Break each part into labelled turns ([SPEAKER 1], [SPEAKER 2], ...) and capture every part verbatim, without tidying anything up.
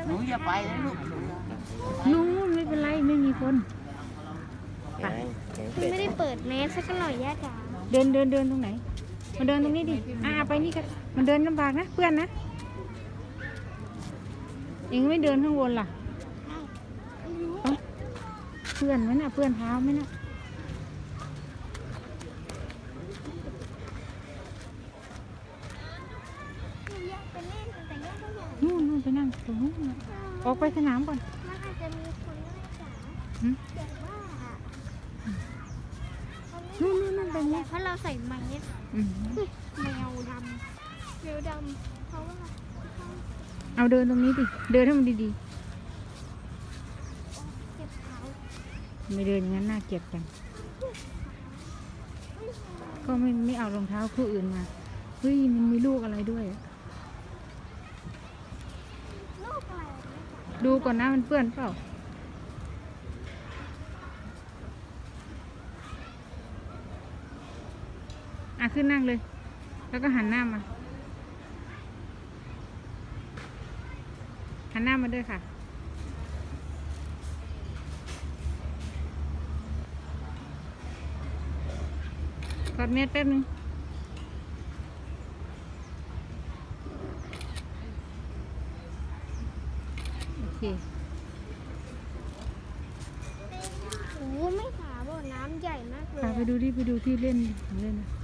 [SPEAKER 1] หนูอย่าไปนะลูก
[SPEAKER 2] นู้นไม่เป็นไรไม่มีคนไป
[SPEAKER 3] คุณไม่ได้เปิดแมสสักหน่อยย่าจ๋า
[SPEAKER 2] เดินเดินเดินตรงไหนมาเดินตรงนี้ดิอ่าไปนี่กันมันเดินลำบากนะเพื่อนนะเองไม่เดินข้างบนล่ะเอ้าเพื่อนไหมน่ะเพื่อนเท้าไหมน่ะ
[SPEAKER 3] ย่าไปเล่นแต่ย่าก็อยาก
[SPEAKER 2] นู่นนู่นไปนั่งตรงนู้นน่ะออกไปสนามก่อน
[SPEAKER 3] มันอาจจะมีคนย่าจ๋า
[SPEAKER 2] หืม
[SPEAKER 3] แต่ว่า
[SPEAKER 2] นู่นนู่นนั่นไป
[SPEAKER 3] แต่
[SPEAKER 2] นี่
[SPEAKER 3] เพราะเราใส่แมส
[SPEAKER 2] อืม
[SPEAKER 3] แมวดำแมวดำเพราะว่า
[SPEAKER 2] เอาเดินตรงนี้ดิเดินให้มันดี
[SPEAKER 3] เจ็บเท้า
[SPEAKER 2] ๆไม่เดินอย่างนั้นน่าเกลียดจังก็ไม่ไม่เอารองเท้าคู่อื่นมาเฮ้ยมันมีลูกอะไรด้วยอะ
[SPEAKER 3] ลูกอะไรเนี่ยจ๋า
[SPEAKER 2] ดูก่อนนะมันเปื้อนเปล่าอ่ะขึ้นนั่งเลย แล้วก็หันหน้ามาหันหน้ามาด้วยค่ะกอดเม็ดแป๊บนึงโอเค
[SPEAKER 3] โอ้โหไม่ขาบ่อน้ำใหญ่มากเลย
[SPEAKER 2] พาไปดูดิไปดูที่เล่นของเล่นนะ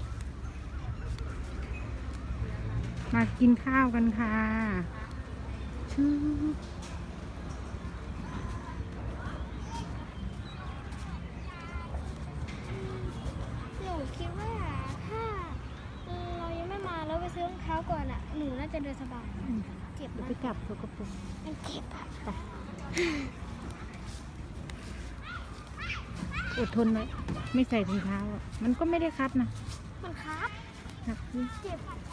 [SPEAKER 2] มากินข้าวกันค่ะชื่อ
[SPEAKER 3] หนูคิดว่าถ้าเรายังไม่มาแล้วไปซื้อรองเท้าก่อนอ่ะหนูน่าจะเดินสบายเจ็บ
[SPEAKER 2] เดี๋ยว
[SPEAKER 3] นะ
[SPEAKER 2] ไปจับตัวกระปุก
[SPEAKER 3] มันเจ็บอะ
[SPEAKER 2] ไปอดทนไว้ไม่ใส่ถุงเท้าอ่ะมันก็ไม่ได้คับนะ
[SPEAKER 3] มันครับ
[SPEAKER 2] ครับ
[SPEAKER 3] เจ็บครับ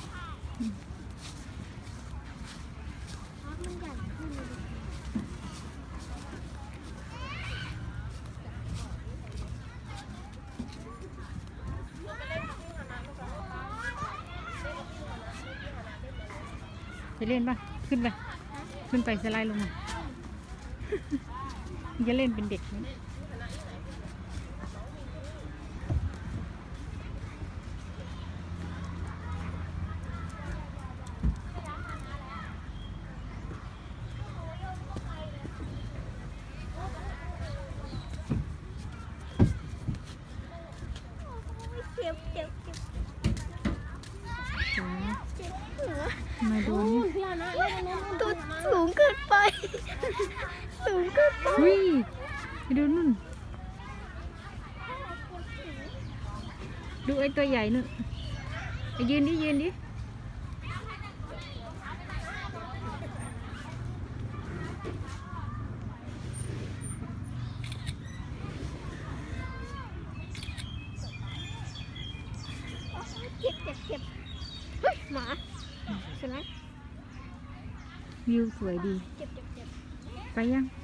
[SPEAKER 3] มันใหญ่ขึ้นเลยดิ
[SPEAKER 2] ไปเล่นป่ะขึ้นไปขึ้นไปสไลด์ลงมา จะเล่นเป็นเด็กไหม
[SPEAKER 3] เจ็บเจ็บเจ็บ
[SPEAKER 2] จ้า
[SPEAKER 3] เจ็บหัว
[SPEAKER 2] มาดูนี่
[SPEAKER 3] ตัวสูงเกินไป สูงเกินไป
[SPEAKER 2] อุ้ยไปดูนู่นดูไอ้ตัวใหญ่นู่นไปยืนดิยืนดิ
[SPEAKER 3] เจ็บเจ็บเจ็บเฮ้ยหมาใช่ไหม
[SPEAKER 2] วิวสวยดี
[SPEAKER 3] เจ็บเจ็บเจ็บ
[SPEAKER 2] ไปยัง